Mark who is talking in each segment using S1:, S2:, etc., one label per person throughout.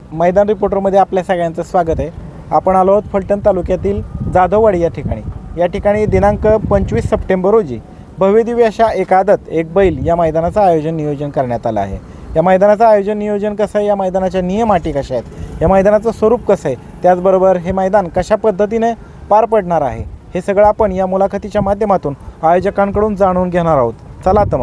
S1: मैदान रिपोर्टरमध्ये आपल्या सगळ्यांचं स्वागत आहे. आपण आलो आहोत फलटण तालुक्यातील जाधववाडी या ठिकाणी. या ठिकाणी दिनांक 25 सप्टेंबर रोजी भव्यदिव्य अशा एक आदत एक बैल या मैदानाचं नियोजन करण्यात आलं आहे. या मैदानाचं नियोजन कसं आहे, या मैदानाच्या नियम अटी कशा आहेत, या मैदानाचं स्वरूप कसं आहे, त्याचबरोबर हे मैदान कशा पद्धतीने पार पडणार आहे, हे सगळं आपण या मुलाखतीच्या माध्यमातून आयोजकांकडून जाणून घेणार आहोत. चला तर मग.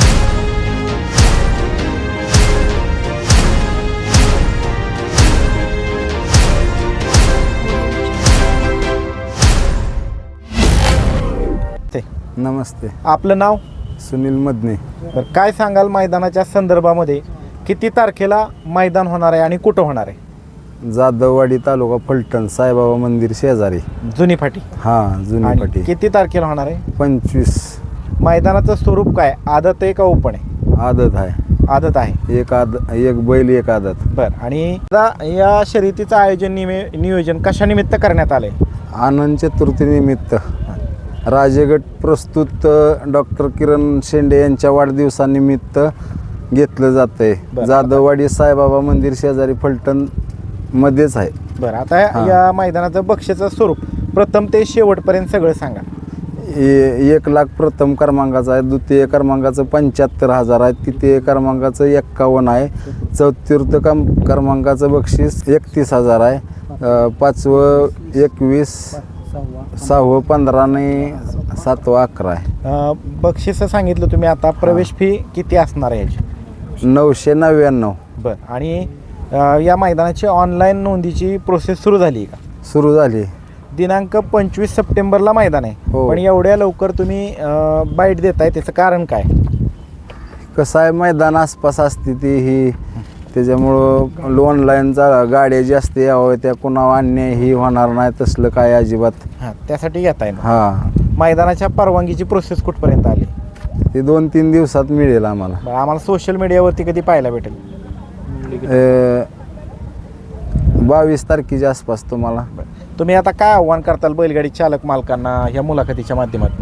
S2: नमस्ते.
S1: आपलं नाव?
S2: सुनील मदने.
S1: तर काय सांगाल मैदानाच्या संदर्भामध्ये, किती तारखेला मैदान होणार आहे आणि कुठं होणार आहे?
S2: जाधववाडी तालुका फलटण, साईबाबा मंदिर शेजारी,
S1: जुनी फाटी.
S2: हां, जुनी
S1: आणि
S2: फाटी.
S1: किती तारखेला होणार आहे?
S2: 25.
S1: मैदानाचं स्वरूप काय, आदत आहे का ओपन आहे?
S2: आदत आहे.
S1: आदत आहे.
S2: एक बैल एक आदत.
S1: बरं. आणि आता या शर्यतीचं नियोजन कशानिमित्त करण्यात आलंय?
S2: आनंद चतुर्थीनिमित्त राजेगट प्रस्तुत डॉक्टर किरण शेंडे यांच्या वाढदिवसानिमित्त घेतलं जात आहे. जाधववाडी साईबाबा मंदिर शेजारी फलटण मध्येच आहे.
S1: बरं. आता या मैदानाचं बक्षीचं स्वरूप प्रथम ते शेवटपर्यंत सगळं सांगा.
S2: 1 लाख प्रथम क्रमांकाचं आहे, द्वितीय क्रमांकाचं 75,000 आहे, तृतीय क्रमांकाचं 51 आहे, चतुर्थ क्रमांकाचं बक्षीस 31,000 आहे, पाचवं 21, 6वं 15 आणि 7वं 11 आहे.
S1: बक्षीस सांगितलं तुम्ही. आता प्रवेश फी किती असणार आहे याची?
S2: 999.
S1: बरं. आणि या मैदानाची ऑनलाईन नोंदीची प्रोसेस सुरू झाली का?
S2: सुरू झाली.
S1: दिनांक 25 सप्टेंबरला मैदान आहे.
S2: हो.
S1: पण एवढ्या लवकर तुम्ही बाईट देताय, त्याचं कारण काय?
S2: कसं आहे, मैदान आसपास असते ती ही, त्याच्यामुळं ऑनलाईनचा गाड्या जास्त यावं, त्या कुणावर अन्याय ही होणार नाही, तसलं काय अजिबात.
S1: हां, त्यासाठी घेताय ना?
S2: हां.
S1: मैदानाच्या परवानगीची प्रोसेस कुठपर्यंत आली?
S2: ते 2-3 दिवसात मिळेल आम्हाला.
S1: आम्हाला सोशल मीडियावरती कधी पाहायला भेटेल?
S2: 22 तारखेच्या आसपास तुम्हाला.
S1: तुम्ही आता काय आव्हान करताल बैलगाडी चालक मालकांना या मुलाखतीच्या माध्यमातून?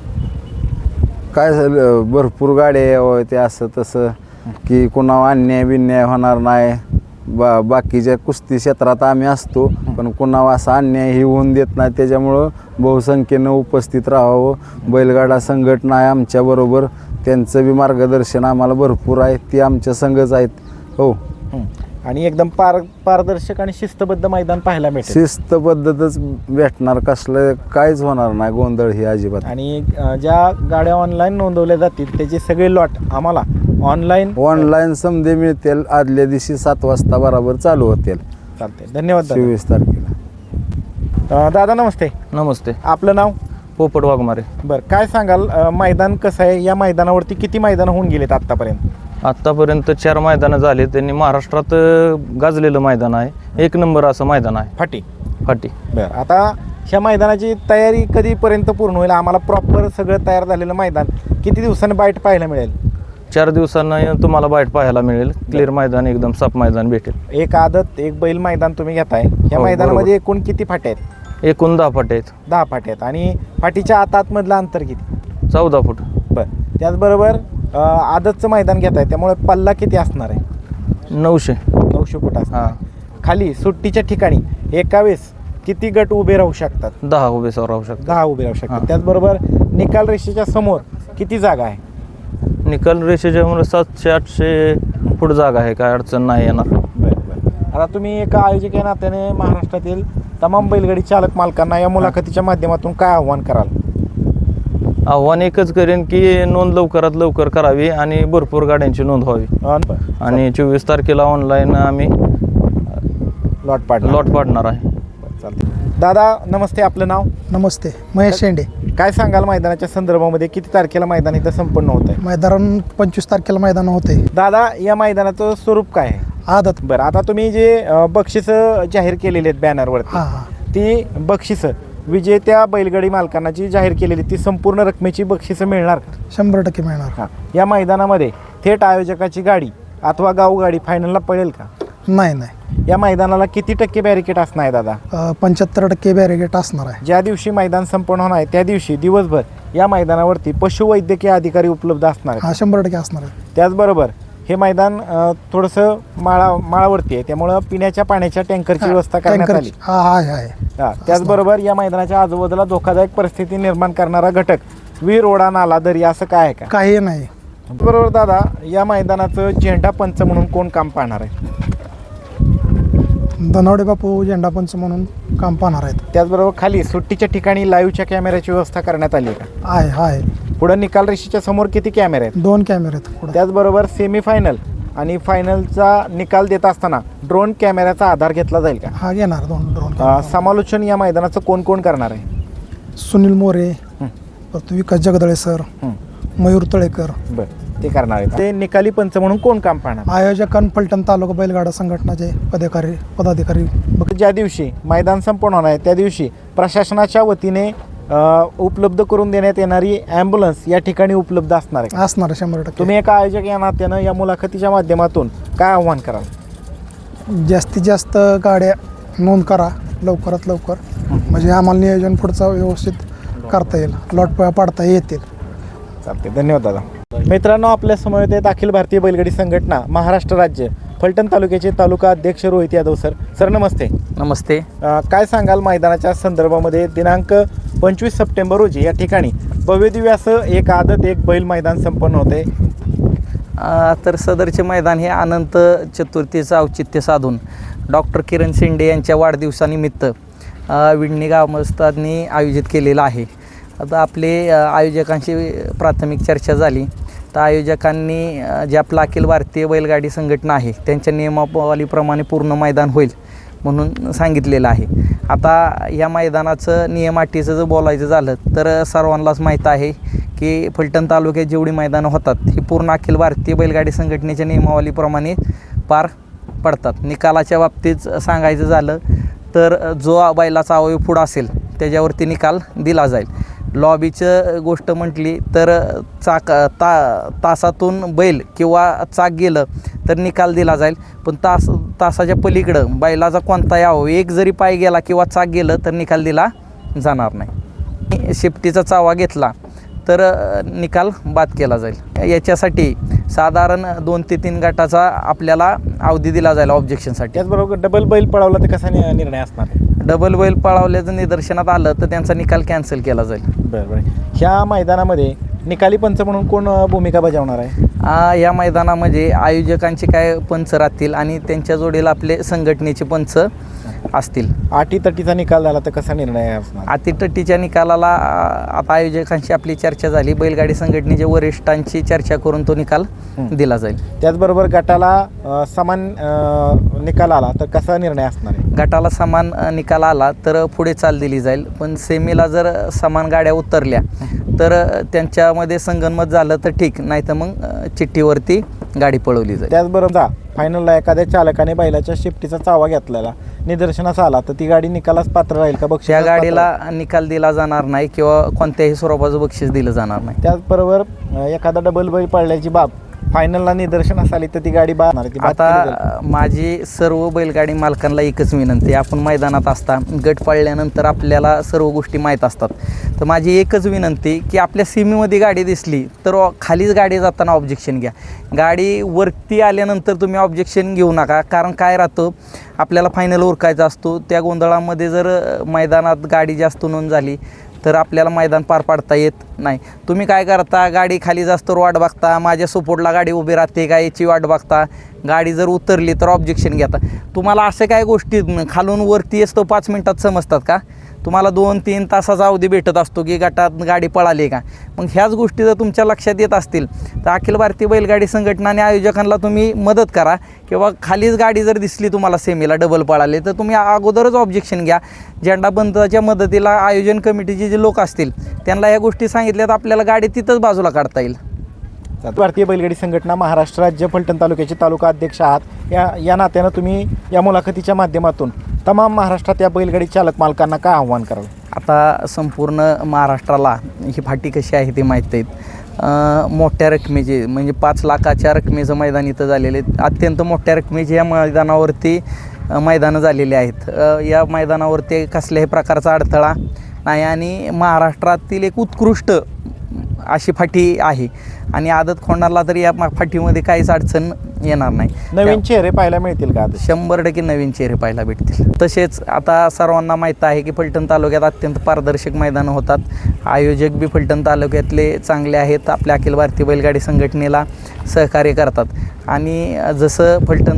S2: काय झालं, भरपूर गाड्या यावं, ते असं तसं की कुणावर अन्याय बिन्याय होणार नाही. बाकीच्या कुस्ती क्षेत्रात आम्ही असतो, पण कुणावर असा अन्याय ही होऊन देत नाही. त्याच्यामुळं बहुसंख्येनं उपस्थित राहावं. बैलगाडा संघटना आहे आमच्याबरोबर, त्यांचं बी मार्गदर्शन आम्हाला भरपूर आहे, ती आमच्या संघच आहेत. हो.
S1: आणि एकदम पारदर्शक आणि शिस्तबद्ध मैदान पाहायला मिळेल.
S2: शिस्तबद्धतच भेटणार, कसलं काहीच होणार नाही गोंधळ ही अजिबात.
S1: आणि ज्या गाड्या ऑनलाईन नोंदवल्या जातील त्याचे सगळे लॉट आम्हाला ऑनलाईन
S2: समजे मिळतील. आदल्या दिवशी 7 वाजता बरोबर चालू होतील.
S1: चालते. धन्यवाद.
S2: 24 तारखेला.
S1: दादा नमस्ते.
S3: नमस्ते.
S1: आपलं नाव?
S3: पोपट वाघमारे.
S1: बरं. काय सांगाल, मैदान कसं आहे? या मैदानावरती किती मैदानं होऊन गेलेत आत्तापर्यंत?
S3: आत्तापर्यंत 4 मैदानं झाली. त्यांनी महाराष्ट्रात गाजलेलं मैदान आहे, 1 नंबर असं मैदान आहे
S1: फाटी.
S3: फाटी.
S1: आता ह्या मैदानाची तयारी कधीपर्यंत पूर्ण होईल? आम्हाला प्रॉपर सगळं तयार झालेलं मैदान किती दिवसांनी बाईट पाहायला मिळेल?
S3: 4 दिवसांना तुम्हाला बाईट पाहायला मिळेल. क्लिअर मैदान, एकदम साफ मैदान भेटेल.
S1: एक आदत एक बैल मैदान तुम्ही घेताय. या
S3: हो,
S1: मैदानामध्ये एकूण किती फाटे आहेत?
S3: एकूण 10 फाटे आहेत.
S1: 10 फाटे आहेत. आणि फाटीच्या आतमधलं अंतर किती?
S3: 14 फूट.
S1: बरं. त्याचबरोबर आदतचं मैदान घेताय, त्यामुळे पल्ला किती असणार आहे?
S3: 900
S1: फूट असणार.
S3: हां.
S1: खाली सुट्टीच्या ठिकाणी एका वेळेस किती गट उभे राहू शकतात?
S3: 10 उभे राहू शकतात.
S1: 10 उभे राहू शकतात.
S3: हां.
S1: त्याचबरोबर निकाल रेषेच्या समोर किती जागा आहे?
S3: निकाल रेषेच्या 700-800 फूट जागा आहे, काय अडचण नाही येणार.
S1: बरं. आता तुम्ही एका आयोजक या नात्याने महाराष्ट्रातील तमाम बैलगाडी चालक मालकांना या मुलाखतीच्या माध्यमातून काय आव्हान कराल?
S3: आव्हान एकच करेन की नोंद लवकरात लवकर करावी आणि भरपूर गाड्यांची नोंद व्हावी. आणि 24 तारखेला ऑनलाईन आम्ही
S1: लॉट
S3: पाडणार आहे.
S1: चालते. दादा नमस्ते. आपलं नाव?
S4: नमस्ते. महेश शेंडे.
S1: काय सांगाल मैदानाच्या संदर्भामध्ये, किती तारखेला मैदान इथं संपन्न होत आहे?
S4: मैदान 25 तारखेला मैदान होते.
S1: दादा या मैदानाचं स्वरूप काय आहे?
S4: आदत.
S1: बरं. आता तुम्ही जे बक्षिसं जाहीर केलेली आहेत बॅनरवरती, ती बक्षिसं विजेत्या बैलगाडी मालकांना जी जाहीर केलेली ती संपूर्ण रकमेची बक्षिसं मिळणार का?
S4: 100% मिळणार.
S1: हां. या मैदानामध्ये थेट आयोजकाची गाडी अथवा गावगाडी फायनलला पडेल का?
S4: नाही.
S1: या मैदानाला किती टक्के बॅरिकेड असणार आहे दादा?
S4: 75% बॅरिकेड असणार आहे.
S1: ज्या दिवशी मैदान संपन्न होणार आहे त्या दिवशी दिवसभर या मैदानावरती पशुवैद्यकीय अधिकारी उपलब्ध असणार आहेत.
S4: 100% असणार आहे.
S1: त्याचबरोबर हे मैदान थोडंसं माळावरती आहे, त्यामुळं पिण्याच्या पाण्याच्या टँकरची व्यवस्था करण्यात आली.
S4: हा आहे
S1: त्याचबरोबर या मैदानाच्या आजूबाजूला धोकादायक परिस्थिती निर्माण करणारा घटक विहीर, ओढा, नाला, दरी असं काय आहे का?
S4: काही नाही.
S1: बरोबर दादा, या मैदानाचं झेंडा पंच म्हणून कोण काम पाहणार आहे?
S4: धनावडे बापू झेंडा पंच म्हणून काम पाहणार आहेत.
S1: त्याचबरोबर खाली सुट्टीच्या ठिकाणी लाईव्हच्या कॅमेऱ्याची व्यवस्था करण्यात आली आहे का?
S4: आहे.
S1: पुढे निकाल रेषेच्या समोर किती कॅमेरे आहेत?
S4: 2 कॅमेरे आहेत पुढे.
S1: त्याचबरोबर सेमीफायनल आणि फायनलचा निकाल देत असताना ड्रोन कॅमेऱ्याचा आधार घेतला जाईल का?
S4: हा घेणार 2 ड्रोन.
S1: समालोचन या मैदानाचं कोण कोण करणार आहे?
S4: सुनील मोरे, परत विकास जगदळे सर, मयूर तळेकर.
S1: बरं, ते करणार आहे. ते निकाली पंच म्हणून कोण काम पाहणार?
S4: आयोजकांना फलटण तालुका बैलगाडा संघटनाचे पदाधिकारी.
S1: ज्या दिवशी मैदान संपन्न होणार आहे त्या दिवशी प्रशासनाच्या वतीने उपलब्ध करून देण्यात येणारी ॲम्ब्युलन्स या ठिकाणी उपलब्ध असणार आहे.
S4: 100%.
S1: तुम्ही एका आयोजक या नात्यानं या मुलाखतीच्या माध्यमातून काय आव्हान कराल?
S4: जास्तीत जास्त गाड्या नोंद करा लवकरात लवकर, म्हणजे आम्हाला नियोजन पुढचं व्यवस्थित करता येईल, लॉट पाडता येतील.
S1: चालते, धन्यवाद दादा. मित्रांनो, आपल्या समोर येत अखिल भारतीय बैलगाडी संघटना महाराष्ट्र राज्य फलटण तालुक्याचे तालुका अध्यक्ष रोहित यादव सर. सर नमस्ते.
S3: नमस्ते.
S1: काय सांगाल मैदानाच्या संदर्भामध्ये? दिनांक 25 सप्टेंबर रोजी या ठिकाणी भव्यदिव्य असं एक आदत एक बैल मैदान संपन्न होते.
S3: तर सदरचे मैदान हे अनंत चतुर्थीचं औचित्य साधून डॉक्टर किरण शेंडे यांच्या वाढदिवसानिमित्त विडणी ग्रामस्थांनी आयोजित केलेलं आहे. आता आपले आयोजकांशी प्राथमिक चर्चा झाली, तर आयोजकांनी जे आपलं अखिल भारतीय बैलगाडी संघटना आहे त्यांच्या नियमावलीप्रमाणे पूर्ण मैदान होईल म्हणून सांगितलेलं आहे. आता या मैदानाचं नियम अटीचं जर बोलायचं झालं तर सर्वांनाच माहीत आहे की फलटण तालुक्यात जेवढी मैदानं होतात ही पूर्ण अखिल भारतीय बैलगाडी संघटनेच्या नियमावलीप्रमाणे पार पडतात. निकालाच्या बाबतीत सांगायचं झालं तर जो बैलाचा अवयव पुढं असेल त्याच्यावरती निकाल दिला जाईल. लॉबीचं गोष्ट म्हटली तर तासातून बैल किंवा चाक गेलं तर निकाल दिला जाईल, पण तासाच्या पलीकडं बैलाचा कोणताही अवयव एक जरी पाय गेला किंवा चाक गेलं तर निकाल दिला जाणार नाही. शेपटीचा चावा घेतला तर निकाल बाद केला जाईल. याच्यासाठी साधारण 2 ते 3 गटाचा आपल्याला अवधी दिला जाईल ऑब्जेक्शनसाठी.
S1: त्याचबरोबर डबल बैल पळवला तर कसा निर्णय असणार?
S3: डबल बैल पळवल्याचं निदर्शनात आलं तर त्यांचा निकाल कॅन्सल केला जाईल.
S1: बरं. ह्या मैदानामध्ये निकाली पंच म्हणून कोण भूमिका बजावणार आहे?
S3: या मैदानामध्ये आयोजकांचे काय पंच राहतील आणि त्यांच्या जोडीला आपले संघटनेचे पंच असतील.
S1: अटीतटीचा निकाल झाला तर कसा निर्णय असणार?
S3: अटीतटीच्या निकालाला आता आयोजकांशी आपली चर्चा झाली, बैलगाडी संघटनेच्या वरिष्ठांची चर्चा करून तो निकाल दिला जाईल.
S1: त्याचबरोबर गटाला समान निकाल आला तर कसा निर्णय असणार आहे?
S3: गटाला समान निकाल आला तर पुढे चाल दिली जाईल, पण सेमीला जर समान गाड्या उतरल्या तर त्यांच्यामध्ये संगनमत झालं तर ठीक, नाही तर मग चिठ्ठीवरती गाडी पळवली जाईल.
S1: त्याचबरोबर फायनलला एखाद्या चालकाने बैलाच्या शिफ्टीचा चावा घेतलेला निदर्शनास आला तर ती गाडी निकालास पात्र राहील का?
S3: त्या गाडीला निकाल दिला जाणार नाही किंवा कोणत्याही स्वरूपाचं बक्षीस दिलं जाणार नाही.
S1: त्याचबरोबर एखादा डबल बैल पडल्याची बाब फायनलला निदर्शनास आली तर ती गाडी बाद.
S3: आता माझी सर्व बैलगाडी मालकांना एकच विनंती, आपण मैदानात असता गट पाळल्यानंतर आपल्याला सर्व गोष्टी माहीत असतात, तर माझी एकच विनंती की आपल्या सीमेमध्ये गाडी दिसली तर खालीच गाडी जाताना ऑब्जेक्शन घ्या. गाडी वरती आल्यानंतर तुम्ही ऑब्जेक्शन घेऊ नका, कारण काय राहतं आपल्याला फायनल उरकायचा असतो. त्या गोंधळामध्ये जर मैदानात गाडी जास्त नोंद झाली तर आपल्याला मैदान पार पाडता येत नाही. तुम्ही काय करता, गाडी खाली जास्त वाट बघता, माझ्या सपोर्टला गाडी उभी राहते का याची वाट बघता, गाडी जर उतरली तर ऑब्जेक्शन घेता. तुम्हाला अशा काय गोष्टी खालून वरती असतो 5 मिनटात समजतात का? तुम्हाला 2-3 तासाचा अवधी भेटत असतो की गटात गाडी पळाली का? मग ह्याच गोष्टी जर तुमच्या लक्षात येत असतील तर अखिल भारतीय बैलगाडी संघटना आणि आयोजकांना तुम्ही मदत करा, किंवा खालीच गाडी जर दिसली तुम्हाला सेमीला डबल पळाले तर तुम्ही अगोदरच ऑब्जेक्शन घ्या. झेंडाबंदाच्या मदतीला आयोजन कमिटीचे जे लोक असतील त्यांना ह्या गोष्टी सांगितल्या तर आपल्याला गाडी तिथंच बाजूला काढता येईल.
S1: भारतीय बैलगाडी संघटना महाराष्ट्र राज्य फलटण तालुक्याचे तालुका अध्यक्ष आहात, या नात्यानं तुम्ही या मुलाखतीच्या माध्यमातून तमाम महाराष्ट्रात या बैलगाडी चालक मालकांना काय आव्हान कराल?
S3: आता संपूर्ण महाराष्ट्राला ही फाटी कशी आहे ते माहीत आहेत. मोठ्या रकमेचे म्हणजे 5 लाखाच्या रकमेचं मैदान इथं झालेले, अत्यंत मोठ्या रकमेचे या मैदानावरती मैदानं झालेली आहेत. या मैदानावरती कसल्याही प्रकारचा अडथळा नाही आणि महाराष्ट्रातील एक उत्कृष्ट अशी फाटी आहे. आणि आदत खोंडाला तरी या फाटीमध्ये काहीच अडचण येणार नाही.
S1: नवीन चेहरे पाहायला मिळतील का आता?
S3: 100% नवीन चेहरे पाहायला भेटतील. तसेच आता सर्वांना माहीत आहे की फलटण तालुक्यात अत्यंत पारदर्शक मैदानं होतात. आयोजक बी फलटण तालुक्यातले चांगले आहेत, आपल्या अखिल भारतीय बैलगाडी संघटनेला सहकार्य करतात. आणि जसं फलटण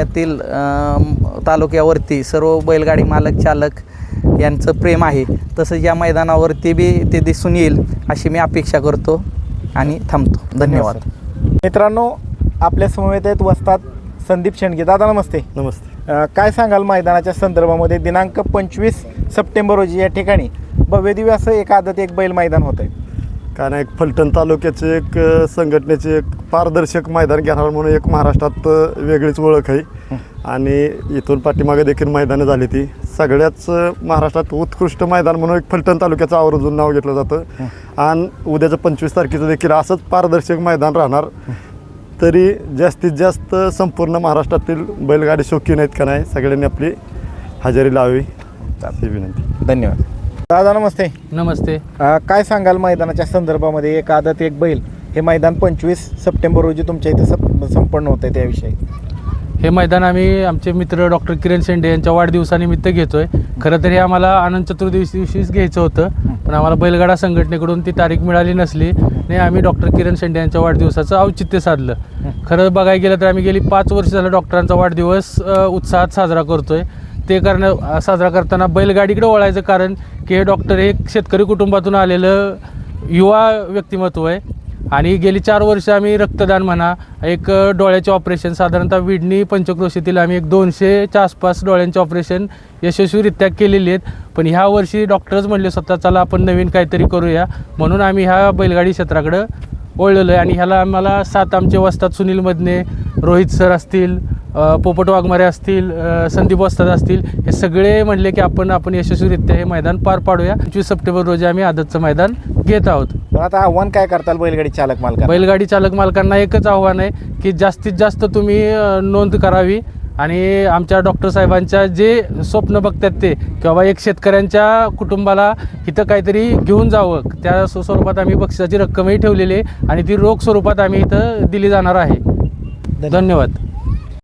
S3: तालुक्यावरती सर्व बैलगाडी मालक चालक यांचं प्रेम आहे, तसंच या मैदानावरती बी ते दिसून येईल अशी मी अपेक्षा करतो आणि थांबतो. धन्यवाद.
S1: मित्रांनो, आपल्या समवेत आहेत वस्ताद संदीप शेंडगे. दादा नमस्ते.
S5: नमस्ते.
S1: काय सांगाल मैदानाच्या संदर्भामध्ये? दिनांक 25 सप्टेंबर रोजी या ठिकाणी भव्यदिव्य असं एक आदत एक बैल मैदान होतं आहे.
S5: काय नाही, एक फलटण तालुक्याचे एक संघटनेचे एक पारदर्शक मैदान घेणार म्हणून एक महाराष्ट्रात वेगळीच ओळख आहे. आणि इथून पाठीमागे देखील मैदानं झाली ती सगळ्याच महाराष्ट्रात उत्कृष्ट मैदान म्हणून एक फलटण तालुक्याचं आवर्जून नाव घेतलं जातं. आणि उद्याचं 25 तारखेचं देखील असंच पारदर्शक मैदान राहणार. तरी जास्तीत जास्त संपूर्ण महाराष्ट्रातील बैलगाडी शौकीन आहेत का नाही, सगळ्यांनी आपली हजेरी लावावी अशी विनंती.
S1: धन्यवाद. दादा नमस्ते.
S6: नमस्ते.
S1: काय सांगाल मैदानाच्या संदर्भामध्ये? एक आदत एक बैल हे मैदान 25 सप्टेंबर रोजी तुमच्या इथं संपन्न होतं आहे, त्याविषयी.
S6: हे मैदान आम्ही आमचे मित्र डॉक्टर किरण शेंडे यांच्या वाढदिवसानिमित्त घेतो आहे. खरं तर हे आम्हाला अनंत चतुर्दशी दिवशीच घ्यायचं होतं, पण आम्हाला बैलगाडा संघटनेकडून ती तारीख मिळाली नसली आणि आम्ही डॉक्टर किरण शेंडे यांच्या वाढदिवसाचं औचित्य साधलं. खरं बघायला गेलं तर आम्ही गेली 5 वर्ष झालं डॉक्टरांचा वाढदिवस उत्साहात साजरा करतो आहे. ते साजरा करताना बैलगाडीकडे वळायचं कारण की हे डॉक्टर हे शेतकरी कुटुंबातून आलेलं युवा व्यक्तिमत्व आहे. आणि गेली 4 वर्ष आम्ही रक्तदान म्हणा, एक डोळ्याचे ऑपरेशन साधारणतः विडणी पंचक्रोशीतील आम्ही एक 200च्या आसपास डोळ्यांचे ऑपरेशन यशस्वीरित्या केलेली आहेत. पण ह्या वर्षी डॉक्टरच म्हणले स्वतः चला आपण नवीन काहीतरी करूया, म्हणून आम्ही ह्या बैलगाडी क्षेत्राकडं वळलेलो आहे. आणि ह्याला आम्हाला 7 आमचे वस्ताद सुनील मदने, रोहित सर असतील, पोपट वाघमारे असतील, संदीप वस्ताद असतील, हे सगळे म्हणले की आपण यशस्वीरित्या हे मैदान पार पाडूया. 25 सप्टेंबर रोजी आम्ही आदतचं मैदान घेत आहोत.
S1: आता आव्हान काय करताल बैलगाडी चालक मालकांना?
S6: बैलगाडी चालक मालकांना एकच आव्हान आहे की जास्तीत जास्त तुम्ही नोंद करावी आणि आमच्या डॉक्टर साहेबांच्या जे स्वप्न बघतात ते, किंवा एक शेतकऱ्यांच्या कुटुंबाला इथं काहीतरी घेऊन जावं, त्या स्वरूपात आम्ही बक्षिसाची रक्कमही ठेवलेली आहे आणि ती रोख स्वरूपात आम्ही इथं दिली जाणार आहे. धन्यवाद.